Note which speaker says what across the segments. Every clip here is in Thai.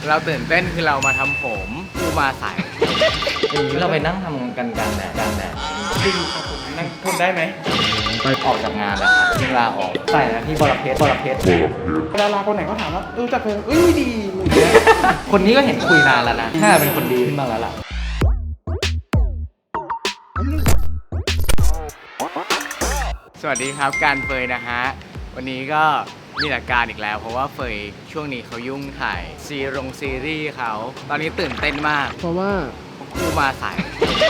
Speaker 1: เราตื่นเต้นคือเรามาทำผมกูมาสายอย่างนี้เราไปนั่งทำกันแดด
Speaker 2: จริงครับผมนั่งทนได้ไหม
Speaker 1: ไปออกจากงานแล้วครับจึงลาออกใส่นะพี่บรเพชร
Speaker 2: ดาราคนไหนก็ถามว่าจักเลยดี
Speaker 1: คนนี้ก็เห็นคุยนานแล้วนะน่าเป็นคนดีขึ้นมาแล้วล่ะสวัสดีครับการเฟยนะฮะวันนี้ก็มีหลักการอีกแล้วเพราะว่าเฟยช่วงนี้เขายุ่งถ่ายซีรีส์เขาตอนนี้ตื่นเต้นมาก
Speaker 2: เพราะว่า
Speaker 1: กูมาสาย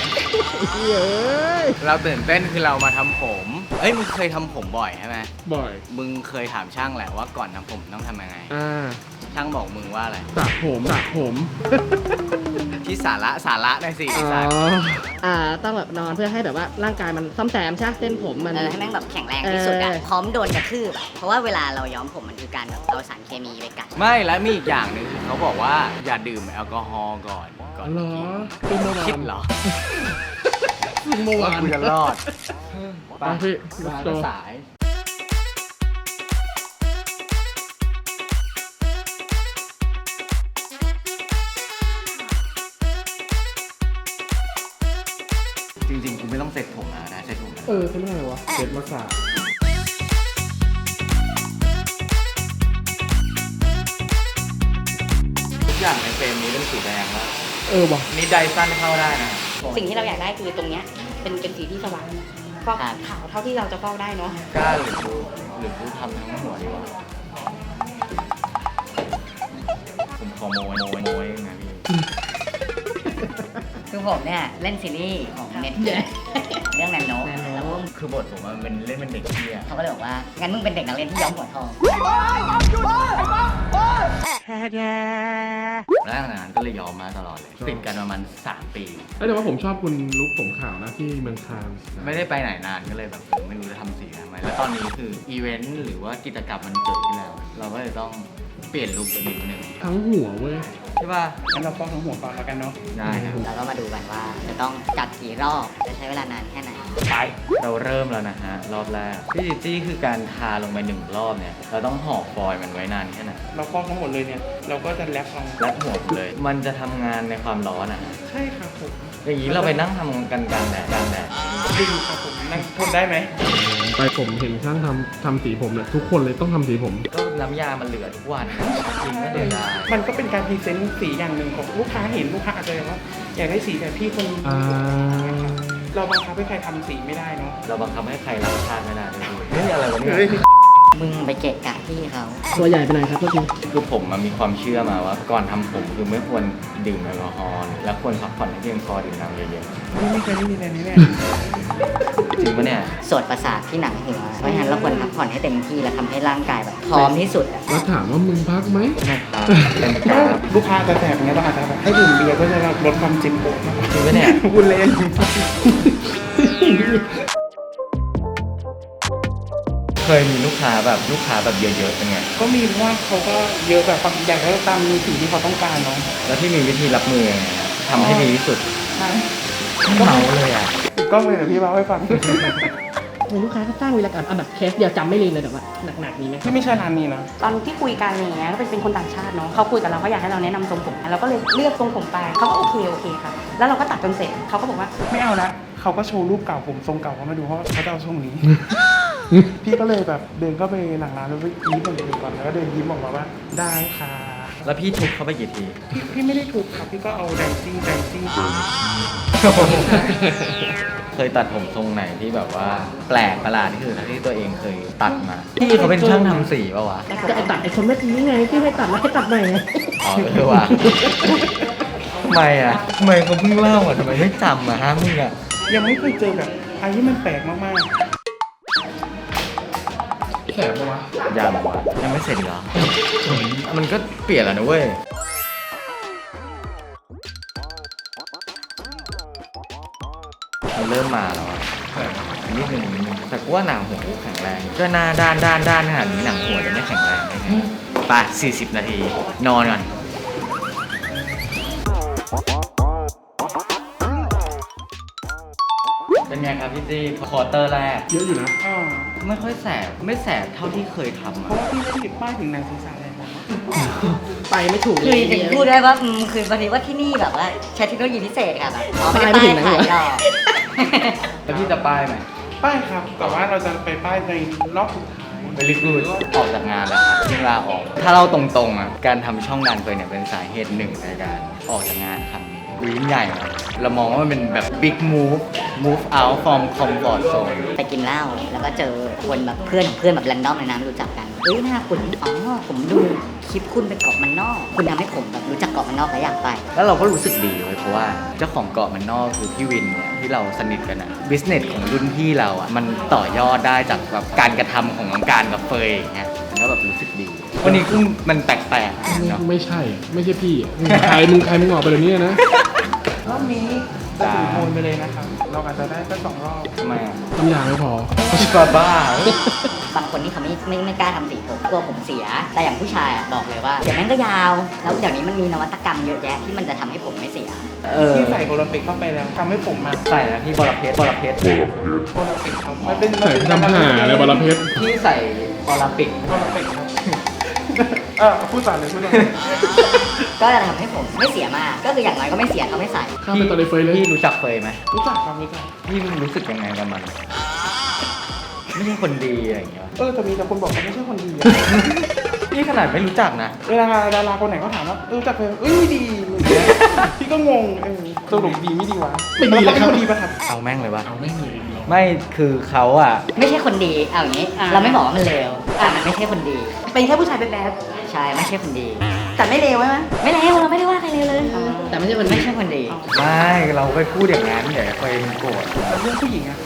Speaker 1: เราตื่นเต้นคือเรามาทำผมมึงเคยทำผมบ่อยใช่ไหม
Speaker 2: บ่อย
Speaker 1: มึงเคยถามช่างแหละว่าก่อนทำผมต้องทำยังไงช่างบอกมึงว่าอะไร
Speaker 2: สระผม
Speaker 1: ที่สาระในสิ
Speaker 3: ต้องแบบนอนเพื่อให้แบบว่าร่างกายมันซ่อมแซมใช่เส้นผมมัน
Speaker 4: ให้แม่งแบบแข็งแรงที่สุดอะพร้อมโดนกระทืบเพราะว่าเวลาเราย้อมผมมันคือการแบบเอาสารเคมีไปกัด
Speaker 1: ไม่และมีอีกอย่างหนึ่งคือเขาบอกว่าอย่าดื่มแอลกอฮอล์ก่อน
Speaker 2: เหรอเป็นเมื่อวาน
Speaker 1: คิดเหรอ
Speaker 2: เมื่อวาน
Speaker 1: กูจะรอด
Speaker 2: ไปพี่
Speaker 1: มาสายจริงๆกูไม่ต้องเซ็ตผมนะเซ็ตผม
Speaker 2: เซ็ตไม่ได้วะเซ็ตมาสาย
Speaker 1: ทุกอย่างในเฟรมนี้เป็นสีแดงแล้ว
Speaker 2: ว่ะ
Speaker 1: นี่ไดสั้นเข้าได้นะ
Speaker 4: สิ่งที่เราอยากได้คือตรงเนี้ยเป็นสีที่สว่างฟอกขาวเท่าที่เราจะฟอกได้เนาะ
Speaker 1: กล้าหรือกูทำทั้งหัวดีกว่าผมขอโมยยังไงพี่
Speaker 4: คือผมเนี่ยเล่นซีรีส์ของเน็ตเรื่องแนนโนแล้ว
Speaker 1: คือบทผมมันเป็นเล่นเป็นเด็กเที่ย
Speaker 4: เขาก็เลยบอกว่างั้นมึงเป็นเด็กนักเรียนที่ย้อมหัวทอง
Speaker 1: แล้วงานก็เลยยอมมาตลอดเลยติดกันประมาณ3 ปี
Speaker 2: แต่ว่าผมชอบคุณลุคผมขาวนะที่เมืองคาน
Speaker 1: ไม่ได้ไปไหนนานก็เลยแบบไม่รู้จะทำสีทำไมแล้วตอนนี้คืออีเวนต์หรือว่ากิจกรรมมันเกิดขึ้นแล้วเราก็เลยต้องเปลี่ยนลุคนิดนึง
Speaker 2: ทั้งหัวเว้ย
Speaker 1: ใช่ป่ะ
Speaker 2: งั้นเราฟอกทั้งหัวก่อนแล้วกันเนาะ
Speaker 1: ได้ครับ
Speaker 4: เราก็มาดูกันว่าจะต้องจัดกี่รอบจะใช้เวลานานแค่ไหน
Speaker 1: ไปเราเริ่มแล้วนะฮะรอบแรกพี่จีจี้คือการทาลงไป1 รอบเนี่ยเราต้องห่อฟอยล์มันไว้นานแค่ไหน
Speaker 2: เราฟอกทั้งหมดเลยเนี่ยเราก็จะแรป
Speaker 1: หัวเลยมันจะทำงานในความร้อน
Speaker 2: ใช่ครับผม
Speaker 1: อย่างนี้เราไปนั่งทำกันกลางแดด
Speaker 2: จริงครับผมนั่งทนได้ไหมไปผมเห็นช่างทำสีผมเนี่ยทุกคนเลยต้องทำสีผม
Speaker 1: ก็น้ำยามันเหลือทุกวันจริงไม่เดือดดา
Speaker 2: มันก็เป็นการพรีเซนต์สีอย่างหนึ่งของลูกค้าเห็นลูกค้าอาจจะว่าอยากได้สีแบบพี่คนเราบังคับให้ใครทำสีไม่ได้เนาะ
Speaker 1: เราบังคับให้ใครรักชาติไม่ได้ด้วยนี่อะไรวะเนี่ย
Speaker 4: มึงไปเกะกะพี่เขา
Speaker 3: ตัวใหญ่ไปไหนครับทุกที
Speaker 1: คือผมมันมีความเชื่อมาว่าก่อนทำผมคือไม่ควรดื่มแอลกอฮอล์และควรพักผ่อนให้เพียงพอดื่มน้ำเยอะ
Speaker 2: ๆไม่เคยได้ยินอะไรนี้เลย
Speaker 1: จริงปะเนี่ย
Speaker 4: สดประสาทที่หนังหัวเพราะฉะนั้นเราควรพักผ่อนให้เต็มที่และทำให้ร่างกายแบบพร้อมที่สุด
Speaker 2: แล้วถามว่ามึงพักไหม
Speaker 1: ไม่พักเป็นครับ
Speaker 2: ลูกค้าจะแสบอย่างเงี้ยเราอาจจะแบบให้ดื่มเบียร์เพื่อจะลดความเจ็บปวด
Speaker 1: จริงปะเนี่ย
Speaker 2: พูดเล่น
Speaker 1: เคยมีลูกค้าแบบเยอะๆเป็นไง
Speaker 2: ก็มีเพราะว่าเขาก็เยอะแบบอยากให้เราตามสิ่งที่เขาต้องการเนาะ
Speaker 1: แล้วที่มีวิธีรับมือยังไงทำให้ดีที่สุดก็เมาเลย
Speaker 2: ก็เลยเดี๋ยวพี่เล่าให้ฟัง
Speaker 3: ลูกค้าก็สร้างวีรกรรมแบบเคสเดียวจำไม่ลืมเลยแต่ว่าหนักๆนี้ไหม
Speaker 2: ที่ไม่ใช่ร้านนี้นะ
Speaker 4: ตอนที่คุยกันอย่างเงี้ยก็เป็นคนต่างชาติเนาะเขาคุยกับเราเขาอยากให้เราแนะนำทรงผมเราก็เลยเลือกทรงผมไปเขาก็โอเคค่ะแล้วเราก็ตัดจนเสร็จเขาก็บอกว่า
Speaker 2: ไม่เอาละเขาก็โชว์รูปเก่าผมทรงเก่าเขามาดูเขาจะเอาทรงนี้พี่ก็เลยแบบเดินเข้าไปหลังร้านแล้วยิ้มก่อนแล้วก็เดินยิ้มออกมาว่าได้ค่ะ
Speaker 1: แล้วพี่ทุบเขาไปกี่ที
Speaker 2: พี่ไม่ได้ทุบครับพี่ก็เอาแดนซิ่ง
Speaker 1: เคยตัดผมทรงไหนที่แบบว่าแปลกประหลาดที่สุดที่ตัวเองเคยตัดมาพี่เขาเป็นช่างทำสีป่าวะ
Speaker 3: ก็ไอตัดไอคนเมื่อกี้ไงที่ให้ตัดแล้วให้ตัดใหม่
Speaker 1: อ๋อว่ะทำไมเขาเพิ่งเล่าทำไมไม่จำฮะมึง
Speaker 2: ยังไม่เคยเจอแบบอะไรที่มันแปลกมากๆแสบปะวะ
Speaker 1: ยังไม่เสร็จเหรอมันก็เปลี่ยนแล้วนะเว้ยมันเริ่มมาแล้วนิดนึงแต่กูว่าหนังหัวกูแข็งแรงก็หน้าด้านขนาดนี้หนังหัวจะไม่แข็งแรงได้ไงไป40 นาทีนอนก่อนเป็นไงครับพี่จี้ควอเตอร์แรก
Speaker 2: เยอะอยู่นะ
Speaker 1: ไม่ค่อยไม่แสบเท่าที่เคยทำ
Speaker 2: เพราะว่าพี่เล่นติดป้ายถึงหนังศีรษะเลยนะ
Speaker 3: ไปไม่ถูก
Speaker 5: คือถึงพูดได้ว่าคือวันนี้ว่าที่นี่แบบว่าใช้เทคโนโลยีพิเศษค่ะแบบไม่ได้ป้ายขายหรอก
Speaker 1: แล้วพี่จะป้ายไหม
Speaker 2: ป้ายครับ แต่ว่าเราจะไปป้ายในรอบสุดท้าย
Speaker 1: Very good ออกจากงานแล้วครับจึงลาออก ถ้าเราตรงๆอ่ะการทำช่องงานเคยเนี่ยเป็นสาเหตุหนึ่งในการออกจากงานครั้งนี้ยิ่งใหญ่นะเรามองว่ามันเป็นแบบ big move out from comfort zone
Speaker 5: ไปกินเหล้าแล้วก็เจอคนแบบเพื่อนของเพื่อนแบบแรนดอมเลยนะไม่รู้จักกันเฮ้ยหน้าคุณอ๋อผมดูคลิปคุณไปเกาะมันนอก คุณทำให้ผมแบบรู้จักเกาะมันนอกและอยากไป
Speaker 1: แล้วเราก็รู้สึกดีเว้ยเพราะว่าเจ้าของเกาะมันนอกคือพี่วินเนี่ยที่เราสนิทกันอะบิสเนสของรุ่นพี่เราอะมันต่อยอดได้จากแบบการกระทำของน้องการกับเฟยอย่างเงี้ยมันก็แบบรู้สึกดี วันนี้คือมันแปลกๆเนาะ
Speaker 6: ไม่ใช่ ไม่ใช่พี่มึงใครมึงออกไปเดี๋ยวนี้นะ
Speaker 2: รอบนี้จะถึงโทนไปเลยนะครับ เราอาจจะได้แค่2 รอบ
Speaker 1: ทำไมอะ
Speaker 6: น้ำยาไม่พอ
Speaker 1: บ้า
Speaker 5: บางคนนี่เขาไม่กล้าทำสีผมกลัวผมเสีย แต่อย่างผู้ชายอะบอกเลยว่าเดี๋ยวแม่งก็ยาว แล้วเดี๋ยวนี้มันมีนวัตกรรมเยอะแยะที่มันจะทำให้ผมไม่เสีย
Speaker 2: ที่ใส่โอลิมปิกเข้าไปแล้วทำให้ผมมา
Speaker 1: ใส่นะพี่บอลเพชร
Speaker 2: โอลิมปิกครับมันเป็น
Speaker 6: ใส่ทำหาอะไรบอลเพชร
Speaker 1: ที่ใส่โอลิมปิก
Speaker 2: โอลิมปิกครับพูดต่อเลยพูดต่อ
Speaker 5: ก็จะทำให้ผมไม่เสียมาก ก็คืออย่างน้อยก็ไม่เสียเขาไม่ใส่
Speaker 6: ข้ามไปตอนในเฟยเลย
Speaker 1: พี่รู้จักเฟยไหม
Speaker 2: รู้จักครับรู้จัก
Speaker 1: พี่รู้สึกยังไงกับมัน ไม่ใช่คนดีอะไรอย่างเงี้ย
Speaker 2: แต่มีแต่คนบอกว่าไม่ใช่คนดีอะ
Speaker 1: พี่ขนาดไม่รู้จักนะ
Speaker 2: เวลาดาราคนไหนเขาถามว่ารู้จักเพลงดีอะไรอย่างเงี้ยพี่ก็งงสรุปดีไม่ดีวะ
Speaker 6: ไม่ดีเลยครับ
Speaker 2: แวขาเป็นนดีป่ะครับ
Speaker 1: เอาแม่งเลยวะ
Speaker 6: เอาไม่มี
Speaker 1: ไม่คือเขาอะ
Speaker 5: ไม่ใช่คนดี เอาอย่างนี้ เราไม่บอกว่ามันเลวมันไม่ใช่คนดี
Speaker 4: เป็นแค่ผู้ชายแบด
Speaker 5: ใช่ ไม่ใช่คนดี
Speaker 4: ๆแต่ไม่เลวใช่ไหม
Speaker 5: ไม่เลวเราไม่ได้ว่าใครเลวเลย
Speaker 3: แต่ไม่ใช่คน
Speaker 5: ไม่ใช่คนดี
Speaker 1: ไม่เราไปพูดอย่างนั้นเดี๋ยวเฟยมันโกรธ
Speaker 2: แล้วเรื่องผู้หญิงอะ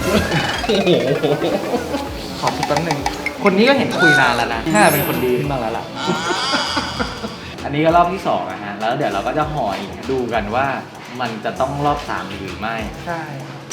Speaker 1: ขอคิดแป๊บนึงคนนี้ก็เห็นคุยนานแล้วนะน่าเป็นคนดีขึ้นบ้างแล้วล่ะ อันนี้ก็รอบที่2นะฮะ แล้วเดี๋ยวเราก็จะห่ออีกดูกันว่ามันจะต้องรอบ3หรือไม่
Speaker 2: ใช่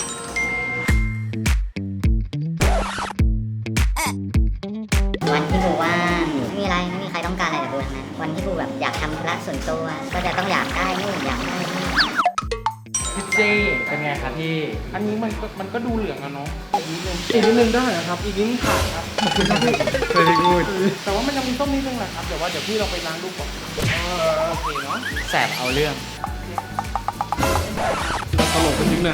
Speaker 5: วันที่กูว่างไม่มีอะไรไม่มีใครต้องการอะไรจากกูทั้งนั้นวันที่กูแบบอยากทำธุระส่วนตัว ก็จะต้องอยากได้นู่นอยากได้นี่
Speaker 1: พี่จี้เป็นไงครับพี่
Speaker 2: อันนี้มันก็ดูเหลืองอะเนาะอีกนิดนึงได้เหรอครับ อีกนิดนึงขาดครับขอบคุณครับพี่
Speaker 1: very good
Speaker 2: แต่ว่ามันยังมีต้มนิดนึงแหละครับเดี๋ยวพี่เราไปล้างดูก่อนโอเคเนาะ
Speaker 1: แสบเอาเรื่อง
Speaker 6: ตลกไปถึงไหน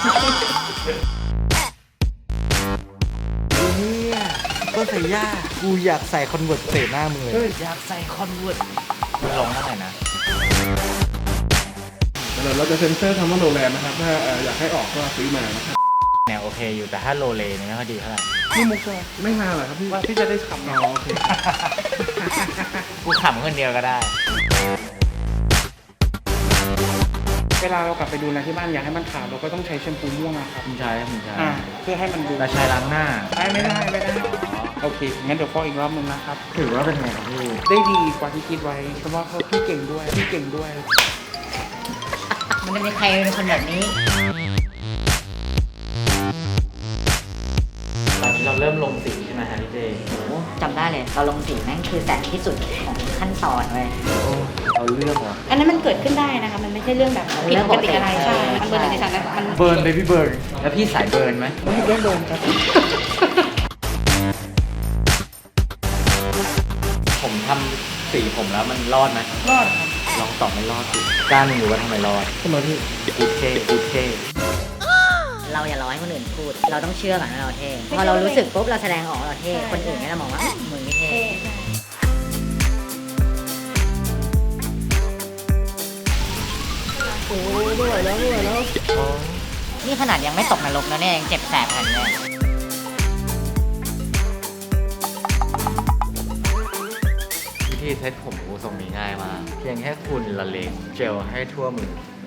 Speaker 1: เนี่ยก็ใส่ย่ากูอยากใส่คอนเวิร์ตเตะหน้ามึงเลยอยากใส่คอนเวิร์ตมึงลองเท่าไหร่นะ
Speaker 6: เดี๋ยวเราจะเซ็นเซอร์คำว่าโรงแรมนะครับ ถ้าอยากให้ออกก็ซื้อมานะครับ
Speaker 1: แนวโอเคอยู่แต่ถ้าโลเลเนี่ยไม่ค่อยดีเท่าไหร่
Speaker 2: นี่มุกใช่ไหม
Speaker 6: ไม่มาเหรอครับพี่
Speaker 2: ว่าที่จะได้ขับ
Speaker 6: อ๋อโอเค
Speaker 1: กูขำคนเดียวก็ได้
Speaker 2: เวลาเรากลับไปดูแลที่บ้านอยากให้มันขาวเราก็ต้องใช้แชมพูม่วงอะครับ
Speaker 1: ผมใช้
Speaker 2: เพื่อให้มันดู
Speaker 1: เราใช้ล้างหน้า
Speaker 2: ไม่ได้โอเคงั้นเดี๋ยวฟอกอีกรอบนึงนะครับ
Speaker 1: ถือว่าเป็นไงครับพี่
Speaker 2: ได้ดีกว่าที่คิดไว้เพราะว่าพี่เก่งด้วย
Speaker 5: มันจะมีใครเป็นคนแบบนี้
Speaker 1: ตอนนี้เราเริ่มลงสีใช่ไหมฮะพี่เจ
Speaker 5: โอ้จำได้เลยเราลงสีแม่งคือแสนที่สุดของขั้นตอนเว้ย
Speaker 1: เราเลือกเหรอ
Speaker 4: อันนั้นมันเกิดขึ้นได้นะคะ มันไม่ใช่เรื่องแบบผิดปกติอะไรใช่ มันเบอร์หนึ่งในฉันนะมัน
Speaker 1: เบิร์นเบบี้เบิร์นแล้วพี่สายเบิร์นไหม
Speaker 2: ไม่ได้โดนครับ
Speaker 1: ผมทำสีผมแล้วมันรอดไหม
Speaker 2: รอดครับ
Speaker 1: ลองตอบไม่รอดสิกล้าหนึ่งรู้ว่าทำไมรอด
Speaker 6: ทำไมพี่
Speaker 1: กูเท่
Speaker 5: เราอย่ารอให้คนอื่นพูด เราต้องเชื่อก่อนว่าเราเท่พอเรารู้สึกปุ๊บเราแสดงออกว่าเราเท่คนอื่นก็จะมองว่ามึงไม่เท่
Speaker 3: โอ้ไม่ไหวแล้ว
Speaker 5: นี่ขนาดยังไม่ตกนรกนะเนี่ยยังเจ็บแสบขนาดนี้
Speaker 1: วิธีเซ็ตผมกูทรงนี้ง่ายมากเพียงแค่คุณละเลงเจลให้ทั่วมือ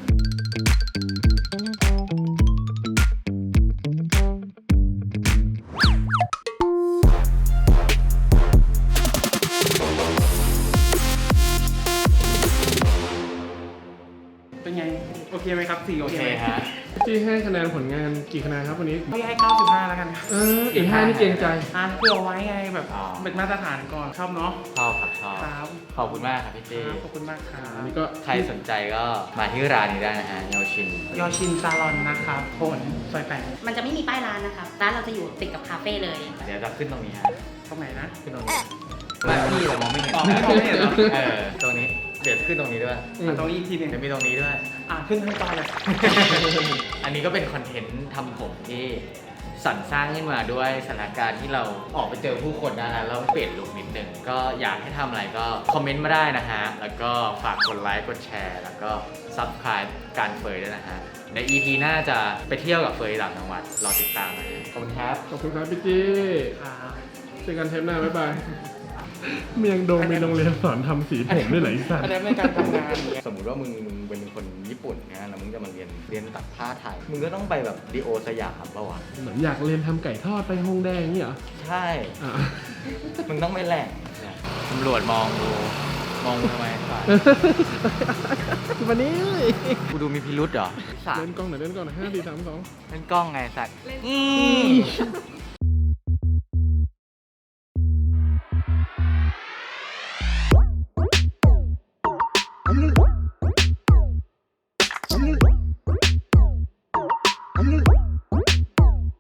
Speaker 2: เป็นไงโอเคไหมครับสีโอ
Speaker 1: โอ
Speaker 2: เค
Speaker 1: เค
Speaker 2: ไหม
Speaker 1: ฮะ
Speaker 6: ที่ให้คะแนนผลงานกี่คะแนนครับวันนี้
Speaker 2: พี่ให้95แล้วกันครับ
Speaker 6: อีก5นี่เกรงใจ
Speaker 2: เพื่อเอาไว้ไงแบบเป็นมาตรฐานก่อนชอบเนาะ
Speaker 1: ชอบครับชอบ
Speaker 2: ครับ
Speaker 1: ขอบคุณมากครับพี่เจ
Speaker 2: ขอบคุณมากครับ
Speaker 6: อันนี้ก็
Speaker 1: ใครสนใจก็มาที่ร้านนี้ได้นะฮะเยาวชิน
Speaker 2: ยอชินซาลอนนะครับโพนซอย8
Speaker 4: มันจะไม่มีป้ายร้านนะคะ ร้านเราจะอยู่ติดกับคาเฟ่เลย
Speaker 1: เดี๋ยวจะขึ้นตรงนี้ฮะ
Speaker 2: ตรงไหนนะ
Speaker 1: ขึ้นตรงนี้มาพี่เรามองไม่เห็น
Speaker 2: อ๋อไม่มองไม่เห็นเหรอ
Speaker 1: ตรงนี้เดี๋ยวขึ้นตรงนี้ด้วย
Speaker 2: ตรงนี้อีกทีหนึ่ง
Speaker 1: เดี๋ยวมีตรงนี้ด้วย
Speaker 2: ขึ้นทั้งตาเลย
Speaker 1: อันนี้ก็เป็นคอนเทนต์ทำผมที่สรรสร้างขึ้นมาด้วยสถานการณ์ที่เราออกไปเจอผู้คนนะฮะเราเปลี่ยนลุคนิดนึงก็อยากให้ทำอะไรก็คอมเมนต์มาได้นะฮะ แล้วก็ฝากกดไลค์กดแชร์ แล้วก็ Subscribe การเฟยด้วยนะฮะ ใน EP หน้าจะไปเที่ยวกับเฟยต่างจังหวัดรอติดตามนะฮะขอบคุณครับ
Speaker 6: ขอบคุณครับพี่จี้เจอกันเทปหน้าบ๊ายบายเมียงโดมมีโรงเรียนสอนทำสีผมด้วยเหรอไอ้สัตว์
Speaker 2: อันนั้นในการทำงาน
Speaker 1: สมมุติว่ามึงเป็นคนญี่ปุ่นนะแล้วมึงจะมาเรียนตัดผ้าไทย มึงก็ต้องไปแบบดีโอสยามป่าวะ
Speaker 6: เหมือนอยากเรียนทำไก่ทอดไปฮงแดงนี่เหรอ
Speaker 1: ใช่
Speaker 6: อ่ะ
Speaker 1: มึงต้องไปแหล่งตำรวจมองดูมองมึงทำไมฝ่าย
Speaker 6: วันนี้
Speaker 1: กูดูมีพิรุษเหรอสาม
Speaker 6: เล่นกล้องหน่อยเล่นกล้องหน่อย5 4 3 2
Speaker 1: เล่นกล้องไงสัตว์